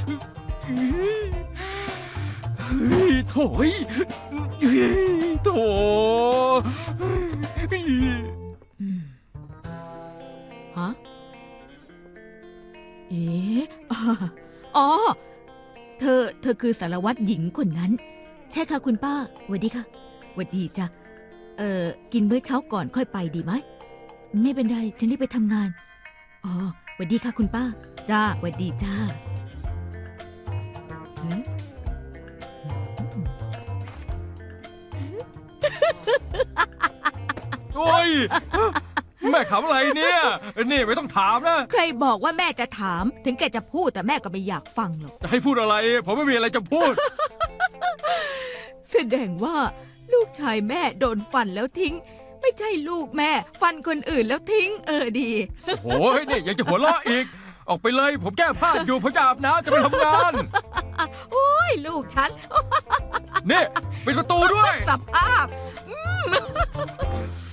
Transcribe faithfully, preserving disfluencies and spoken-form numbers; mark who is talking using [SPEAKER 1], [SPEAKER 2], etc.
[SPEAKER 1] เฮ้ยโถ่เฮ้ยโถ่
[SPEAKER 2] ฮะเอ๋อ๋อเธอเธอคือสารวัตรหญิงคนนั้นใช่ค่ะคุณป้าสวัสดีค่ะสวัสดีจ้ะเอ่อกินมื้อเช้าก่อนค่อยไปดีไหมไม่เป็นไรฉันรีบไปทำงานอ๋อสวัสดีค่ะคุณป้าจ้าสวัสดีจ้าหืม
[SPEAKER 1] โอ้ยแม่ขำอะไรเนี่ยนี่ไม่ต้องถามนะ
[SPEAKER 2] ใครบอกว่าแม่จะถามถึงแกจะพูดแต่แม่ก็ไม่อยากฟังหรอก
[SPEAKER 1] จะให้พูดอะไรผมไม่มีอะไรจะพูด
[SPEAKER 2] แสดงว่าลูกชายแม่โดนฟันแล้วทิ้ง ไม่ใช่ลูกแม่ฟันคนอื่นแล้วทิ้ง เออดี
[SPEAKER 1] โอ้โหนี่ยังจะหัวเราะอีก ออกไปเลยผมแก้ผ้าอยู่ผมจะอาบน้ำจะไปทำงาน
[SPEAKER 2] โอ้ยลูกฉัน
[SPEAKER 1] นี่ปิดประตูด้วย
[SPEAKER 2] สภาพ